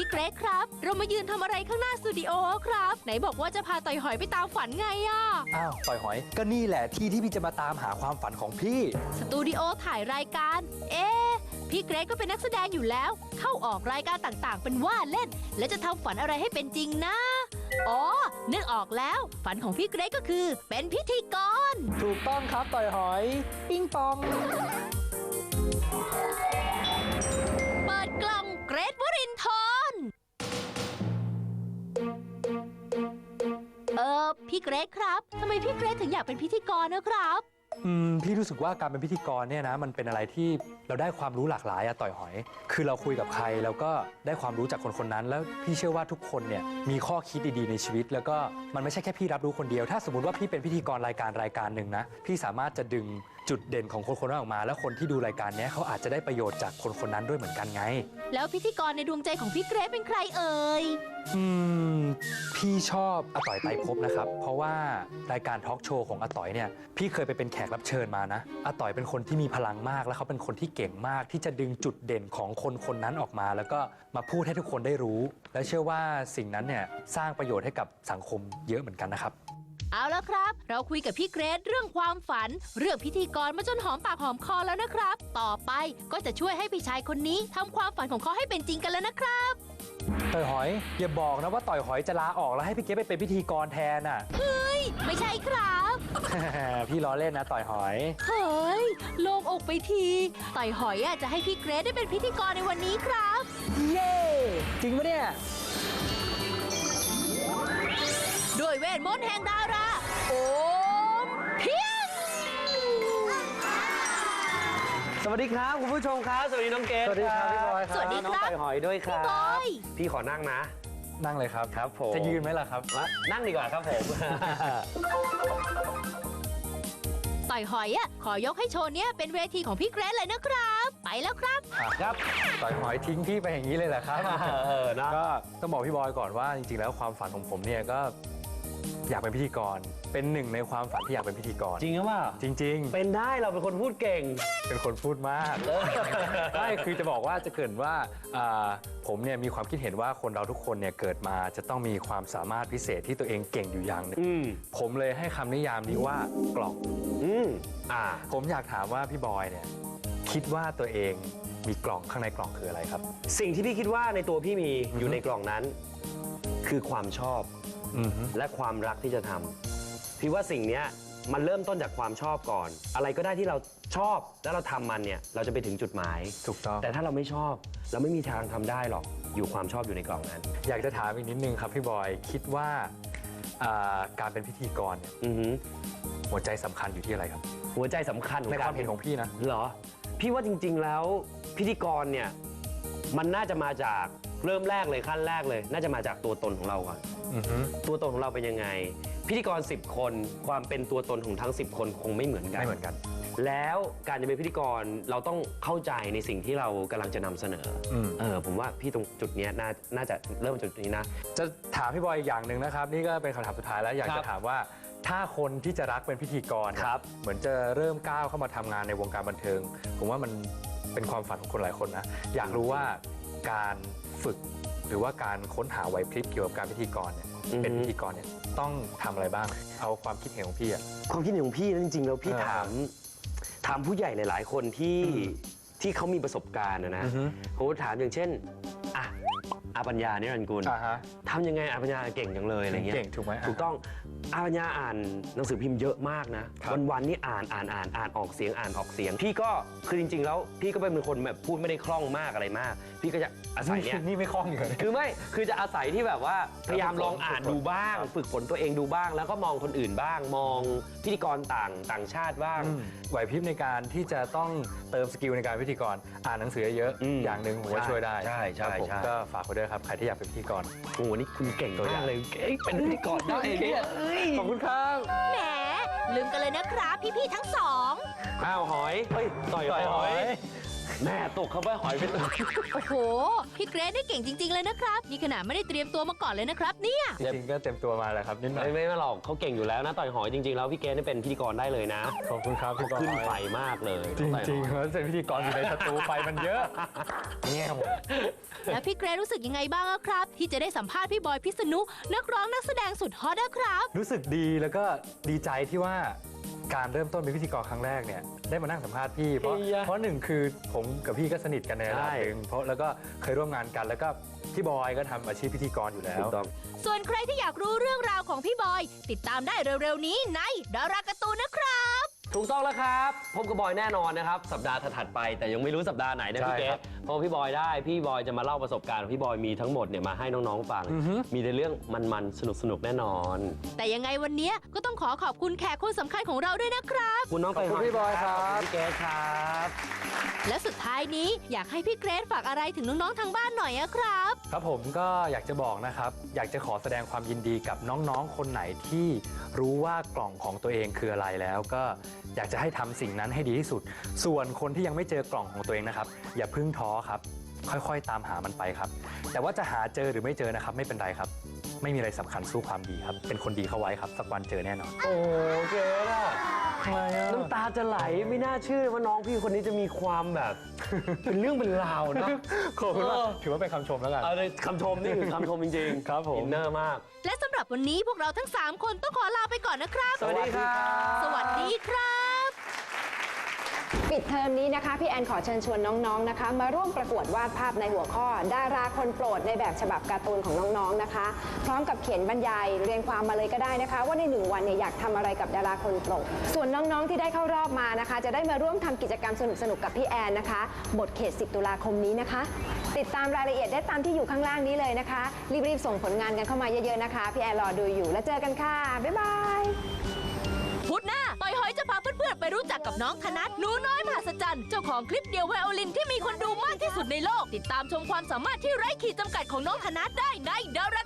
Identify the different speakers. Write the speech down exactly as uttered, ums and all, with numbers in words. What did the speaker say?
Speaker 1: เกรกครับเรามายืนทำอะไรข้างหน้าสตูดิโอครับไหนบอกว่าจะพาต่อยหอยไปตามฝันไงอ่ะ
Speaker 2: อ้าวต่อยหอยก็นี่แหละที่ที่พี่จะมาตามหาความฝันของพี่
Speaker 1: สตูดิโอถ่ายรายการเอ๊ะพี่เกรกก็เป็นนักแสดงอยู่แล้วเข้าออกรายการต่างๆเป็นว่าเล่นแล้วจะทำฝันอะไรให้เป็นจริงนะอ๋อนึกออกแล้วฝันของพี่เกรกก็คือเป็นพิธีกร
Speaker 2: ถูกต้องครับต่อยหอยปิ้งปอง
Speaker 1: เปิดกล่องเกรทวรินทร์เออพี่เกรทครับทำไมพี่เกรทถึงอยากเป็นพิธีกรนะครับ
Speaker 2: อืมพี่รู้สึกว่าการเป็นพิธีกรเนี่ยนะมันเป็นอะไรที่เราได้ความรู้หลากหลายอะต่อยหอยคือเราคุยกับใครแล้วก็ได้ความรู้จากคนคนนั้นแล้วพี่เชื่อว่าทุกคนเนี่ยมีข้อคิดดีๆในชีวิตแล้วก็มันไม่ใช่แค่พี่รับรู้คนเดียวถ้าสมมติว่าพี่เป็นพิธีกรรายการรายการหนึ่งนะพี่สามารถจะดึงจุดเด่นของคนคนนั้นออกมาแล้วคนที่ดูรายการนี้เขาอาจจะได้ประโยชน์จากคนคนนั้นด้วยเหมือนกันไง
Speaker 1: แล้วพิธีกรในดวงใจของพี่เกรทเป็นใครเอ่ย
Speaker 2: อืมพี่ชอบอาต่อยไตรภพนะครับเพราะว่ารายการทอล์กโชว์ของอาต่อยเนี่ยพี่เคยไปเป็นแขกรับเชิญมานะอาต่อยเป็นคนที่มีพลังมากแล้วเขาเป็นคนที่เก่งมากที่จะดึงจุดเด่นของคนคนนั้นออกมาแล้วก็มาพูดให้ทุกคนได้รู้และเชื่อว่าสิ่งนั้นเนี่ยสร้างประโยชน์ให้กับสังคมเยอะเหมือนกันนะครับ
Speaker 1: เอาแล้วครับเราคุยกับพี่เกรทเรื่องความฝันเรื่องพิธีกรมาจนหอมปากหอมคอแล้วนะครับต่อไปก็จะช่วยให้พี่ชายคนนี้ทำความฝันของเขาให้เป็นจริงกันแล้วนะครับ
Speaker 2: ต่อยหอยอย่าบอกนะว่าต่อยหอยจะลาออกแล้วให้พี่เกรทไปเป็นพิธีกรแทนอ่ะ
Speaker 1: เฮ้ยไม่ใช่ครับ
Speaker 2: พี่ล้อเล่นนะต่อยหอย
Speaker 1: เฮ้ยโล่งอกไปทีต่อยหอยจะให้พี่เกรทได้เป็นพิธีกรในวันนี้ครับ
Speaker 2: เย้จริงปะเนี่ย
Speaker 1: ด้วยเวทมนต์แห่งดาราโอมเพียง
Speaker 3: สวัสดีครับคุณผู้ชมครับสวัสดีน้องเกรท
Speaker 2: สวัสดีครับพี่บอยครับ
Speaker 1: สวัสดีครับ
Speaker 3: น้องต่อยหอยด้วยครับ
Speaker 1: พี่บอย
Speaker 3: พี่ขอนั่งนะ
Speaker 2: นั่งเลยครับ
Speaker 3: ครับผม
Speaker 2: จะยืนไหมล่ะครับ
Speaker 3: นั่งดีกว่าครับผม
Speaker 1: ต่อยหอยอ่ะขอยกให้โชว์เนี้ยเป็นเวทีของพี่เกรทเลยนะครับไปแล้วครับ
Speaker 3: ครับ
Speaker 2: ต่อยหอยทิ้งพี่ไปอย่างนี้เลยแหละครับ
Speaker 3: เออนะ
Speaker 2: ก็ต้องบอกพี่บอยก่อนว่าจริงๆแล้วความฝันของผมเนี่ยก็อยากเป็นพิธีกรเป็นหนึ่งในความฝันที่อยากเป็นพิธีกร
Speaker 3: จริงหรือเปล่า
Speaker 2: จริงๆ
Speaker 3: เป็นได้เราเป็นคนพูดเก่ง
Speaker 2: เป็นคนพูดมากไม่คือจะบอกว่าจะเกิดว่าผมเนี่ยมีความคิดเห็นว่าคนเราทุกคนเนี่ยเกิดมาจะต้องมีความสามารถพิเศษที่ตัวเองเก่งอยู่อย่างหนึ่งผมเลยให้คำนิยามนี้ว่ากล่อง
Speaker 3: อืมอ่า
Speaker 2: ผมอยากถามว่าพี่บอยเนี่ยคิดว่าตัวเองมีกล่องข้างในกล่องคืออะไรครับ
Speaker 3: สิ่งที่พี่คิดว่าในตัวพี่มีอยู่ในกล่องนั้นคือความชอบและความรักที่จะทำพี่ว่าสิ่งนี้มันเริ่มต้นจากความชอบก่อนอะไรก็ได้ที่เราชอบแล้วเราทำมันเนี่ยเราจะไปถึงจุดหมาย
Speaker 2: ถูกต้อง
Speaker 3: แต่ถ้าเราไม่ชอบเราไม่มีทางทำได้หรอกอยู่ความชอบอยู่ในกล่องนั้น
Speaker 2: อยากจะถามอีกนิดนึงครับพี่บอยคิดว่าการเป็นพิธีกรเนี่ยหัวใจสำคัญอยู่ที่อะไรครับ
Speaker 3: หัวใจสำคัญ
Speaker 2: ในความเห็นของพี่นะ
Speaker 3: เหรอพี่ว่าจริงๆแล้วพิธีกรเนี่ยมันน่าจะมาจากเริ่มแรกเลยขั้นแรกเลยน่าจะมาจากตัวตนของเราก่อนตัวตนของเราเป็นยังไงพิธีกรสิบคนความเป็นตัวตนของทั้งสิบคนคงไม่เหมือนกัน
Speaker 2: ไม่เหมือนกัน
Speaker 3: แล้วการจะเป็นพิธีกรเราต้องเข้าใจในสิ่งที่เรากำลังจะนำเสนอเออผมว่าพี่ตรงจุดนี้น่าน่าจะเริ่มจุดนี้นะ
Speaker 2: จะถามพี่บอยอย่างหนึ่งนะครับนี่ก็เป็นคำถามสุดท้ายแล้วอยากจะถามว่าถ้าคนที่จะรักเป็นพิธีกรครับเหมือนจะเริ่มก้าวเข้ามาทำงานในวงการบันเทิงผมว่ามันเป็นความฝันของคนหลายคนนะอยากรู้ว่าการฝึกหรือว่าการค้นหาไหวพริบเกี่ยวกับการพิธีกรเนี่ยเป็นพิธีกรเนี่ยต้องทำอะไรบ้างเอาความคิดเห็นของพี่อะ
Speaker 3: ความคิดเห็นของพี่นะจริงๆแล้วพี่ถามถามผู้ใหญ่หลายๆคนที่ที่เขามีประสบการณ์นะเขาถามอย่างเช่นอ่ะอาปัญญาเนี่ยรันกุลทำยังไงอาปัญญาเก่งจังเลยอะไรเงี้ย
Speaker 2: เก่งถูกไหม
Speaker 3: ถูกต้องอาปัญญาอ่านหนังสือพิมพ์เยอะมากนะวันๆนี่อ่านอ่านอ่านอ่านออกเสียงอ่านออกเสียงพี่ก็คือจริงๆแล้วพี่ก็เป็นคนแบบพูดไม่ได้คล่องมากอะไรมากพี่ก็จะอาศัยเนี่ย
Speaker 2: นี่ไม่คล่องอยู่
Speaker 3: คือไม่คือจะอาศัยที่แบบว่าพยายามลองอ่านดูบ้างฝึกฝนตัวเองดูบ้างแล้วก็มองคนอื่นบ้างมองพิธีกรต่างต่างชาติบ้าง
Speaker 2: ไหวพริบในการที่จะต้องเติมสกิลในการพิธีกรอ่านหนังสือเยอะอย่างหนึ่งผมว่าช่วยได้
Speaker 3: ใช่ใช่
Speaker 2: ผมก็ฝากไว้ด้วยครับใครที่อยากเป็นพิธีกร
Speaker 3: โอ้โหนี่คุณเก่งมากเลยเป็นพิธีกรได้เนี่ย
Speaker 2: ขอบคุณครับ
Speaker 1: แหมลืมกันเลยนะครับพี่ๆทั้งสอง
Speaker 3: อ้าวหอยเฮ้ยต่อยหอยแม่ตกเข้าไปหอยไปตัว
Speaker 1: โอ้โห พี่เกรซได้เก่งจริง ๆ เลยนะครับ นี่ขนาดไม่ได้เตรียมตัวมาก่อนเลยนะครับเนี่ย
Speaker 2: จริงๆก็เต็มตัวมาแหละครับนิดหน่อย
Speaker 3: ไม่ไม่หรอกเขาเก่งอยู่แล้วนะต่อยหอยจริงๆแล้วพี่เกณฑ์นี่เป็นพิธีกรได้เลยนะ
Speaker 2: ขอบคุณครับพี่บอย
Speaker 3: ขึ้นไฟมากเลย
Speaker 2: จริงๆเขาเป็นพิธีกรอยู่ในสตูไฟมันเยอะเงี้ยหมด
Speaker 1: แล้วพี่เกรซรู้สึกยังไงบ้างอะครับ ที่จะได้สัมภาษณ์พี่บอยพิษณุนักร้องนักแสดงสุดฮอตนะครับ
Speaker 2: รู้สึกดีแล้วก็ดีใจที่ว่าการเริ่มต้นเป็นพิธีกรครั้งแรกเนี่ยได้มานั่งสัมภาษณ์พี่เพราะ
Speaker 3: เฮีย
Speaker 2: เพราะหนึ่งคือผมกับพี่ก็สนิทกันในระดับ
Speaker 3: ใช่
Speaker 2: หนึ่งเพราะแล้วก็เคยร่วมงานกัน แล้วก็พี่บอยก็ทำอาชีพพิธีกรอยู่แล้ว
Speaker 3: ถูกต้อง
Speaker 1: ส่วนใครที่อยากรู้เรื่องราวของพี่บอย ติดตามได้เร็วๆนี้ในดาราการ์ตูนนะครับ
Speaker 3: ถูกต้องแล้วครับพบกับบอยแน่นอนนะครับ สัปดาห์ถัดๆไปแต่ยังไม่รู้สัปดาห์ไหนนะ
Speaker 2: ใช่
Speaker 3: พี่เก
Speaker 2: ครั
Speaker 3: ศ
Speaker 2: บ
Speaker 3: เพราะพี่บอยได้พี่บอยจะมาเล่าประสบการณ์ของพี่บอยมีทั้งหมดเนี่ยมาให้น้องๆฟัง
Speaker 2: อือฮึ
Speaker 3: มีแต่เรื่องมันๆสนุกๆแน่นอน
Speaker 1: แต่ยังไงวันนี้ก็ต้องขอขอบคุณแขกคนสำคัญของเราด้วยนะครับ
Speaker 3: คุณน้อง
Speaker 2: ขอบคุณ
Speaker 3: ไปห
Speaker 2: พี่บอยครับ
Speaker 3: ขอบคุณพี่เกศครับ
Speaker 1: และสุดท้ายนี้อยากให้พี่เกรซฝากอะไรถึงน้องๆทางบ้านหน่อยอะครับ
Speaker 2: ครับผมก็อยากจะบอกนะครับ อยากจะขอแสดงความยินดีกับน้องๆ คนไหนที่รู้ว่ากล่องของตัวเองคืออะไรแล้ว ก็อยากจะให้ทำสิ่งนั้นให้ดีที่สุด ส่วนคนที่ยังไม่เจอกล่องของตัวเองนะครับ อย่าเพิ่งท้อครับ ค่อยๆ ตามหามันไปครับ แต่ว่าจะหาเจอหรือไม่เจอนะครับ ไม่เป็นไรครับ ไม่มีอะไรสำคัญสู้ความดีครับ เป็นคนดีเข้าไว้ครับสักวันเจอแน่นอน
Speaker 3: โอ้เกศอะ
Speaker 2: ทำไมอ่ะ
Speaker 3: น้ำตาจะไหลไม่น่าเชื่อว่าน้องพี่คนนี้จะมีความแบบ เป็นเรื่องเป็นราวนะ
Speaker 2: ขอบคุณมาก
Speaker 3: เออ
Speaker 2: ถือว่าเป็นคำชมแล้วกัน
Speaker 3: เอาเลยคำชมนี่คือคำชมจริงๆ
Speaker 2: ครับผม
Speaker 3: อินเนอร์มาก
Speaker 1: และสำหรับวันนี้พวกเราทั้งสามคนต้องขอลาไปก่อนนะครับ
Speaker 3: สวัสดีครับ
Speaker 1: สวัสดีครับ
Speaker 4: ปิดเทอมนี้นะคะพี่แอนขอเชิญชวนน้องๆนะคะ มาร่วมประกวดวาดภาพในหัวข้อ ดาราคนโปรดในแบบฉบับการ์ตูนของน้องๆนะคะ พร้อมกับเขียนบรรยายเรียงความมาเลยก็ได้นะคะ ว่าในหนึ่งวันเนี่ยอยากทำอะไรกับดาราคนโปรดส่วนน้องๆที่ได้เข้ารอบมานะคะ จะได้มาร่วมทำกิจกรรมสนุกๆกับพี่แอนนะคะบทเขตสิบตุลาคมนี้นะคะ ติดตามรายละเอียดได้ตามที่อยู่ข้างล่างนี้เลยนะคะรีบๆส่งผลงานกันเข้ามาเยอะๆนะคะพี่แอนรอดูอยู่แล้วเจอกันค่ะบ๊ายบาย
Speaker 1: พุธหน้าต่อยหอยจะพาเพื่อนๆไปรู้จักกับน้องธนัทหนูน้อยมหัศจรรย์เจ้าของคลิปเดียวไวโอลินที่มีคนดูมากที่สุดในโลก ติดตามชมความสามารถที่ไร้ขีดจำกัดของน้องธนัทได้ในดารา